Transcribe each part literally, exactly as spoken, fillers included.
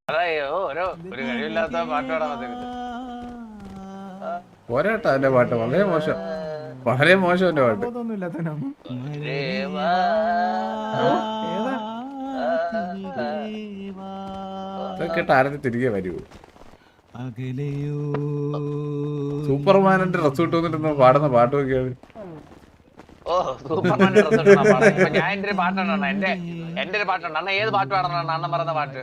അയ്യോ ഓരോ ഒരു കഴിവില്ലാത്ത പാട്ട് പാടാൻ വന്നിരുന്നു. പോരാട്ടോ എന്റെ പാട്ട് വളരെ മോശം, വളരെ മോശം എന്റെ പാട്ട്. കേട്ട ആരത്തെ തിരികെ വരൂ. സൂപ്പർമാനിന്റെ ഡ്രസ് ഇട്ട് വന്നിട്ട് പാടുന്ന പാട്ട് നോക്കിയാണ്. ഓ സൂപ്പർമാന്റെ ഡ്രസ് ഇട്ടാ പാടുന്നത്. ഇപ്പൊ ഞാൻ എന്റെ ഒരു പാട്ടാണ് എന്റെ എന്റെ ഒരു പാട്ടുണ്ട് അണ്ണ. ഏത് പാട്ട് പാടണം അണ്ണൻ പറയുന്ന പാട്ട്?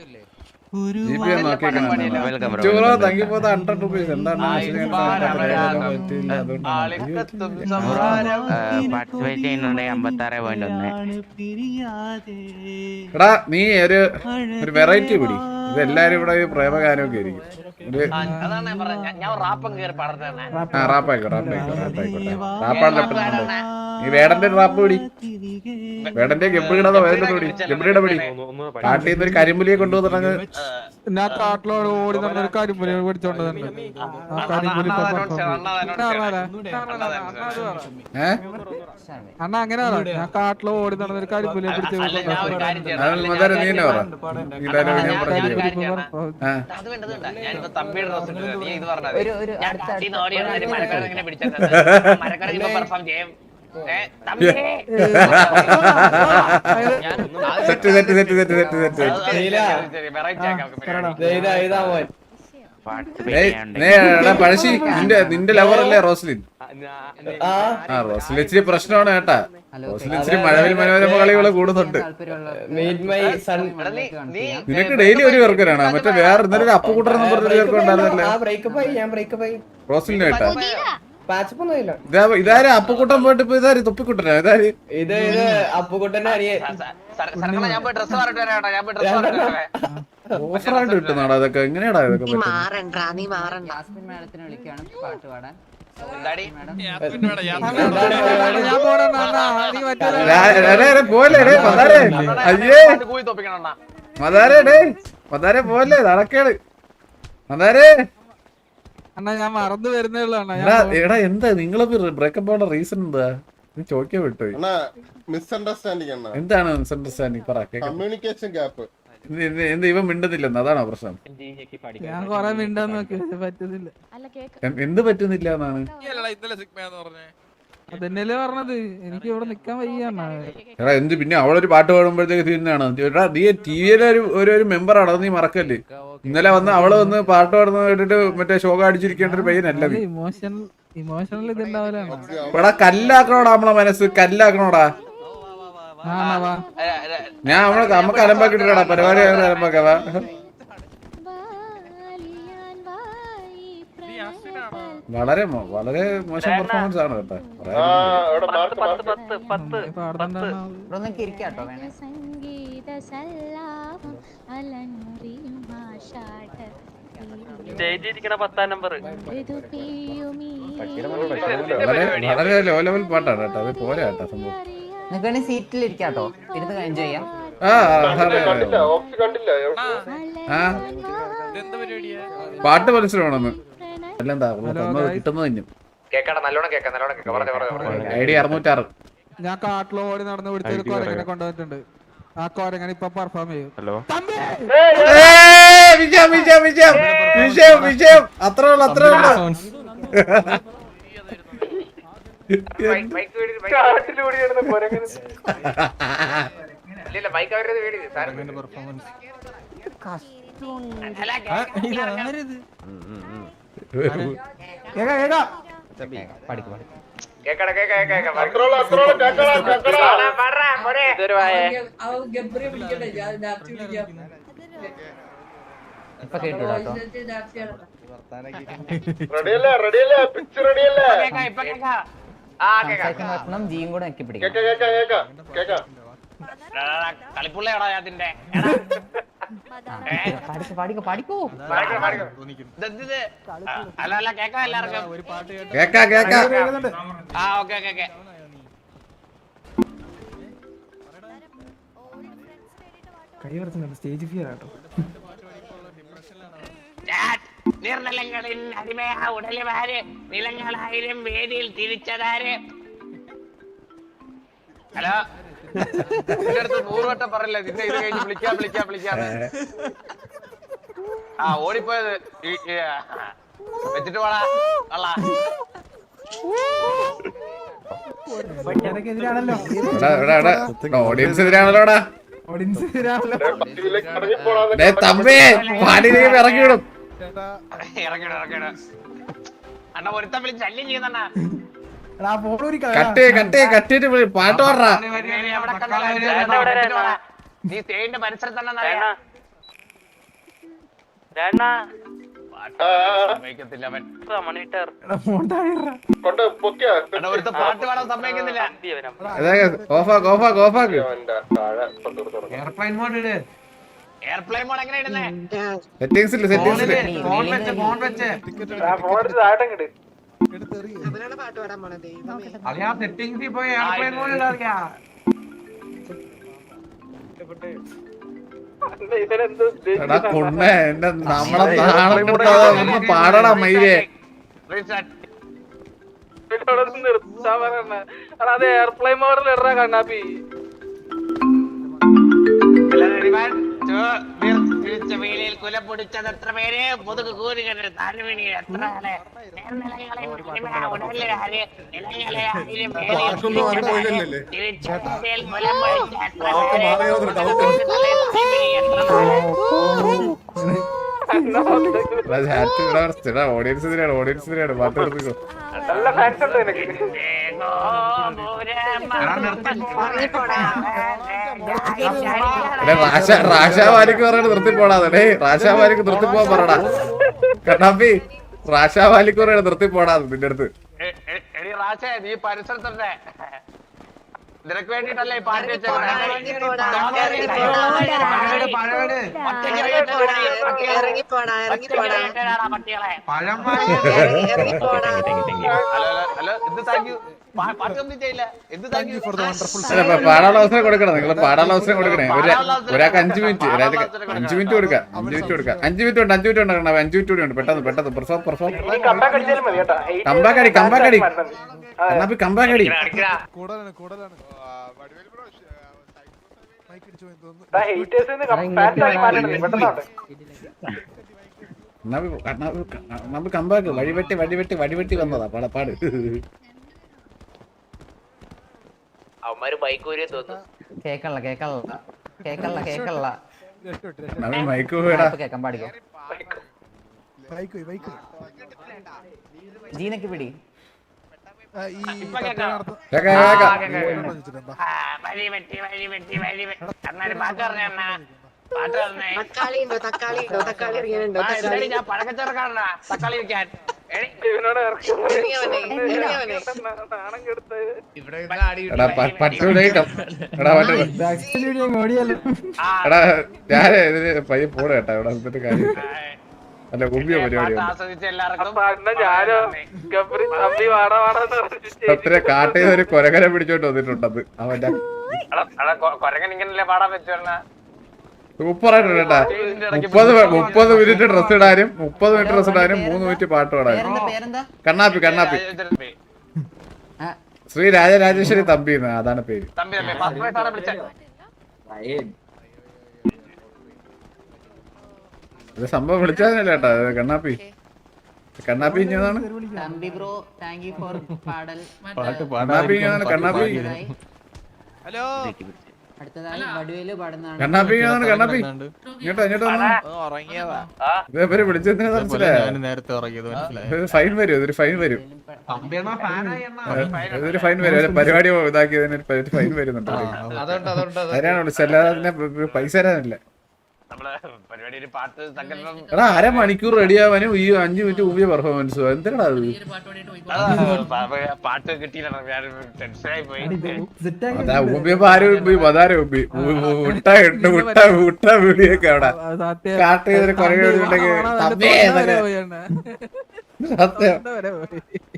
എടാ നീ ഒരു ഒരു വെറൈറ്റി പിടി. ഇതെല്ലാരും ഇവിടെ പ്രേമഗാനമൊക്കെ ആയിരിക്കും. അതാണ് പറഞ്ഞത്. ഞാൻ റാപ്പം കയറി പാടുന്നതാണ്. ആ റാപ്പായിക്കോട്ടെ റാപ്പായിക്കോട്ടെ റാപ്പായിക്കോട്ടെ റാപ്പാണ്. നീ വേടന്റെ റാപ്പ് പിടി. വേടന്റെ ഗബ്രിയുടെ വേദന പിടി. ഗബ്രിയുടെ പിടി. കാട്ടിൽ നിന്ന് ഒരു കരിമ്പുലിയെ കൊണ്ടുവന്നിട്ടങ്ങ് ഞാൻ കാട്ടിലോട് ഓടി നടന്നൊരു കരിമ്പുലിയെ പിടിച്ചോണ്ട് തന്നെ. അണ്ണ അങ്ങനെ ഞാൻ കാട്ടിലോ ഓടി നടന്നൊരു കരിമ്പുലിയെ പിടിച്ചു. തമ്പിയുടെ ഡ്രസ് നീ ഇത് പറഞ്ഞത് പെർഫോം ചെയ്യും. പഴശ്ശി നിന്റെ നിന്റെ ലവറല്ലേ റോസ്ലിൻ? ആ റോസ്ലിൻ ഇച്ചിരി പ്രശ്നമാണ് കേട്ടാ. റോസ്ലിൻ ഇച്ചിരി മഴവിൽ മനോരമ കളികള് കൂടുന്നുണ്ട്. നിനക്ക് ഡെയിലി ഒരു പേർക്കാണ്. മറ്റേ വേറെ ഇന്നലെ ഒരു അപ്പുകൂട്ടർ എന്ന് പറഞ്ഞൊരു പേർക്ക് ഉണ്ടായിരുന്നല്ലേ റോസ്ലിന് കേട്ടാ. ഇതാര് അപ്പുക്കുട്ടൻ പോയിട്ട് ഇപ്പൊ ഇതാര് തൊപ്പിക്കുട്ടനാ? ഇതാര് ഇത് ഇത് അപ്പുക്കുട്ടന്റെ ഓഫറായിട്ട് കിട്ടുന്നാടാ ഇതൊക്കെ? എങ്ങനെയാടാ ഇതൊക്കെ? പോലെ അയ്യേ മതാരേ ഡേ മതാരെ പോലെ നടക്കേട് മതാരേ. അണ്ണാ ഞാൻ മറന്നു വരുന്നേ ഉള്ളൂ. എടാ എന്താ നിങ്ങള് ബ്രേക്കപ്പ് ആവുന്ന റീസൺ എന്താ? നീ ചോദിക്കാൻ വിട്ടുപോയി. മിസ്അണ്ടർസ്റ്റാൻഡിംഗ് എന്താണ് മിസ്അണ്ടർസ്റ്റാൻഡിംഗ്? പറ. Communication gap. എന്ത് ഇവൻ മിണ്ടുന്നില്ലെന്ന്? അതാണോ പ്രശ്നം? ഞാൻ കൊറേ മിണ്ടാന്ന് നോക്കി പറ്റുന്നില്ല. എന്ത് പറ്റുന്നില്ല എന്നാണ്? അതെന്നല്ലേ പറഞ്ഞത്. എനിക്ക് ഇവിടെ നിക്കാൻ വയ്യാണ്. എടാ എന്ത് പിന്നെ അവളൊരു പാട്ട് പാടുമ്പോഴത്തേക്ക് തീരുന്നതാണ്. എടാ നീ ടി വിയിലെ ഒരു ഒരു മെമ്പറാണ്, അത് നീ മറക്കല്ലേ? ഇന്നലെ വന്ന് അവള് വന്ന് പാട്ട് പാടുന്ന കേട്ടിട്ട് മറ്റേ ഷോക അടിച്ചിരിക്കേണ്ട ഒരു പയ്യനല്ല. Emotional emotional ഇതുണ്ടാവലാണ്. എടാ കല്ലാക്കണോടാ നമ്മളെ മനസ്സ്, കല്ലാക്കണോടാ. ഞാൻ അവളെ നമുക്ക് അലമ്പാക്കിട്ടാ പരിപാടി അലമ്പാക്കാവാ. വളരെ വളരെ മോശം പെർഫോമൻസ് ആണ് കേട്ടോ. വളരെ ലോ ലെവൽ പാട്ടാണ് കേട്ടോ. അത് പോരാ കേട്ടോ സംഭവം. സീറ്റിൽ ഇരിക്കാട്ടോ, ഇരുന്ന് എൻജോയ് ചെയ്യാം. പാട്ട് മനസ്സിലാവണമെന്ന് അല്ലെന്താ കിട്ടുന്നത് തന്നെയും ഐഡി അറുന്നൂറ്റാറ്. ഞാൻ കാട്ടിലോ ഓടി നടന്ന് പിടിച്ചൊരു കൊരങ്ങനെ കൊണ്ടുവന്നിട്ടുണ്ട്. ആ കൊരങ്ങനെ ഇപ്പൊ പെർഫോം ചെയ്യും. വിജയം വിജയം വിജയം വിജയം വിജയം. അത്രേ ഉള്ളു അത്രേ ഉള്ളു. ജിയും കൂടെ നോക്കി പിടിക്കും. കളിപ്പുള്ളയാടാ അതിന്റെ പാടിക്കോ പാടിക്കോ. അല്ല അല്ല കേക്കാം എല്ലാവർക്കും കേക്കാ കേക്കാ. ആ okay okay okay. Stage fear ആട്ടോ. നിർനിലങ്ങളിൽ അടിമയാ ഉടലുമാര് നിലങ്ങളായിരം വേദിയിൽ തിരിച്ചതാര്. ഹലോ നൂറ് വട്ടം പറയില്ല നിന്നെ ഇത് കഴിഞ്ഞ് വിളിക്കാം വിളിക്കാം വിളിക്കാം. ആ ഓടിപ്പോയത് ഈ- ഈ, ആ, വെച്ചിട്ട് പോടാ അള്ള എതിരാണല്ലോ ഓഡിയൻസ് എതിരാണല്ലോടാ ഓഡിയൻസ് എതിരാണല്ലോ ഡേ തമ്പി പാടി നീ ഇറക്കി വിടും ഇറങ്ങിട ഇറങ്ങിട അണ്ണ ഒരുത്തൻ വിളിച്ച് ശല്യം ചെയ്യുന്നണ്ണ കട്ട് കട്ട് കട്ടിട്ട് പാട്ട് പാടാ നീ തേന്റെ പരിസരത്ത് തന്നെ സമ്മതിക്കത്തില്ല അവൻ കൊണ്ട് പൊക്കിയാ അണ്ണ ഒരുത്ത പാട്ട് പാടാൻ സമ്മതിക്കുന്നില്ല ഓഫാക്ക് ഓഫാക്ക് ഓഫാക്ക് എയർപ്ലെയിൻ മോഡ് എങ്ങനെ ഇടുന്നേ സെറ്റിംഗ്സ് ഇല്ല സെറ്റിംഗ്സ് ഇല്ല എടാ കൊണ്ണ എന്റെ നമ്മളെ നാളെ ഒന്ന് പാടടാ മയിലേ അത് എയർപ്ലെയിൻ മോഡൽ ഇടറാ കണ്ണാപ്പി വേലിയിൽ കുല പൊടിച്ചത് എത്ര പേര് മുതുക് കൂരി കണ്ടത് താഴ്വീണി എത്ര ആള് നേർനിലകളെ ഉടലെ ആര് നിലങ്ങളെ ആയിരം തിരിച്ചേൽ കുലം പൊടിച്ച എത്ര ഓഡിയൻസ് ഇതിനാണ് ഓഡിയൻസ് ഇതിനാണ് പാട്ട് എടുത്തിക്കോ നല്ല ഫാൻസ് ഉണ്ട് എനിക്ക് റാഷ റാഷാവാലിക്ക് പറയണ നിർത്തി പോടാതെ ഡേ റാഷാവാലിക്ക് നിർത്തി പോവാൻ പറയടാ കണ്ണാപ്പി റാഷാവാലിക്ക് പറയണ നിർത്തി പോടാതെ നിന്റെ അടുത്ത് എടി റാശേ നീ പരിസരത്തുണ്ടേ നിനക്ക് വേണ്ടിട്ടല്ലേ ഈ പാട്ട് ഹലോ എന്ത് താങ്ക് യു പാട്ട് കംപ്ലീറ്റ് ചെയ്യില്ല എന്ത് താങ്ക് യു പാടാനുള്ള അവസരം കൊടുക്കണം നിങ്ങൾ പാടാനുള്ള അവസരം കൊടുക്കണേ ഒരു ഒരാൾക്ക് അഞ്ചു മിനിറ്റ് ഒരാൾക്ക് അഞ്ചു മിനിറ്റ് കൊടുക്കാം അഞ്ചു മിനിറ്റ് കൊടുക്കാം അഞ്ചു മിനിറ്റ് ഉണ്ട് അഞ്ചു മിനിറ്റ് ഉണ്ട് കണ്ണാ അഞ്ചു മിനിറ്റ് കൂടി ഉണ്ട് പെട്ടെന്ന് പെട്ടെന്ന് പെർഫോം പെർഫോം കമ്പാക്കടി കമ്പാക്കടി കണ്ണാപ്പി കമ്പാക്കടി കണ്ണാപ്പി കമ്പാക്ക് വഴിവെട്ടി വഴിവെട്ടി വഴിവെട്ടി വന്നതാ പാടപ്പാട് അവന്മാര് ബൈക്ക് ഊരിയെ തോന്നുന്നു കേക്കള്ള കേക്കള്ള കേക്കള്ള കേക്കള്ള മൈക്ക് പോയടാ കേക്കാൻ പാടിക്കോ ജീനക്ക് പിടി കേക്കാം കേക്കാം വഴി വെട്ടി വഴി വെട്ടി വഴി വെട്ടി അണ്ണാര് പാട്ട് പറഞ്ഞ അണ്ണ പാട്ട് പറഞ്ഞേ തക്കാളി ഉണ്ടോ തക്കാളി ഉണ്ടോ തക്കാളി ഇറങ്ങിയുണ്ടോ ആ, എന്തായാലും ഞാൻ പഴക്കച്ചവടക്കാരനാ തക്കാളി വെക്കാൻ എടി, എടാ പ- പറ്റൂലേ കം- എടാ പറ്റൂ ആ, എടാ ഞാന് ഇതിന് പയ്യെ പോടെ കേട്ടാ ഇവിടെ വന്നിട്ട് കാര്യം അല്ല ഉമ്മിയ പാട്ട് പരിപാടിയാണ് ആസ്വദിച്ച എല്ലാവർക്കും ഞാനോ ഗബ്രി തമ്പി വാടാ വാടാന്ന് പറഞ്ഞിട്ട് അത്ര കാട്ടിൽ ഒരു കൊരകര പിടിച്ചോണ്ട് വന്നിട്ടുണ്ടത് അവന്റെ എടാ, എടാ, കൊ- കൊരങ്ങൻ ഇങ്ങനല്ലേ പാടാൻ പറ്റുന്ന സൂപ്പറായിട്ടുണ്ട് കേട്ടാ മുപ്പത് മുപ്പത് മിനിറ്റ് ഡ്രസ് ഇടാനും മുപ്പത് മിനിറ്റ് ഡ്രസ് ഇടാനും മൂന്ന് മിനിറ്റ് പാട്ട് പാടാനും പേരെന്താ പേരെന്താ കണ്ണാപ്പി കണ്ണാപ്പി ആ, ശ്രീ രാജരാജേശ്വരി തമ്പി എന്ന് അതാണ് പേര് തമ്പി തമ്പി ഫസ്റ്റ് പ്രൈസ് ആണ് വിളിച്ചത് ഇത് സംഭവം വിളിച്ചതല്ലേ കേട്ടാ ഇത് കണ്ണാപ്പി കണ്ണാപ്പി ഇഞ്ഞതാണ് തമ്പി ബ്രോ താങ്ക് യു ഫോർ പാടൽ കണ്ണാപ്പി ഇഞ്ഞതാണ് കണ്ണാപ്പി ഹലോ അടുത്തതായി വടുവേല് പാടുന്നതാണ് കണ്ണാപ്പി ഇഞ്ഞതാണ് കണ്ണാപ്പി ഇങ്ങോട്ടോ ഇങ്ങോട്ടോ ഇതേവരെ വിളിച്ചതിന് മനസ്സിലായോ നേരത്തെ ഇറങ്ങിയത് മനസ്സിലായി ഇത് ഫൈൻ വരും ഇതൊരു ഫൈൻ വരും ഇതൊരു ഫൈൻ വരും ഒരു പരിപാടി ഇതാക്കിയതിന് ഒരു ഫൈൻ വരുന്നുണ്ട് അതിനാണ് വിളിച്ചത് അല്ലാതെ അതിനെ പൈസ തരാനില്ല നമ്മള് പരിപാടി ഒരു പാട്ട് സങ്കല്പം എടാ അര മണിക്കൂർ റെഡി ആവാനും ഈ അഞ്ചു മിനിറ്റ് ഊബിയ പെർഫോമൻസോ എന്തിനാ അത് പാട്ട് കിട്ടിയില്ല ഞാൻ ടെൻഷനായി പോയി അതാ ഊബിയപ്പോ ആരും ഊബി അതാരും ഊബി മുട്ട ഇട്ട് മുട്ട മുട്ട വീടിയൊക്കെ അവിടെ കാട്ട് ചെയ്തൊരു കുറേ സത്യം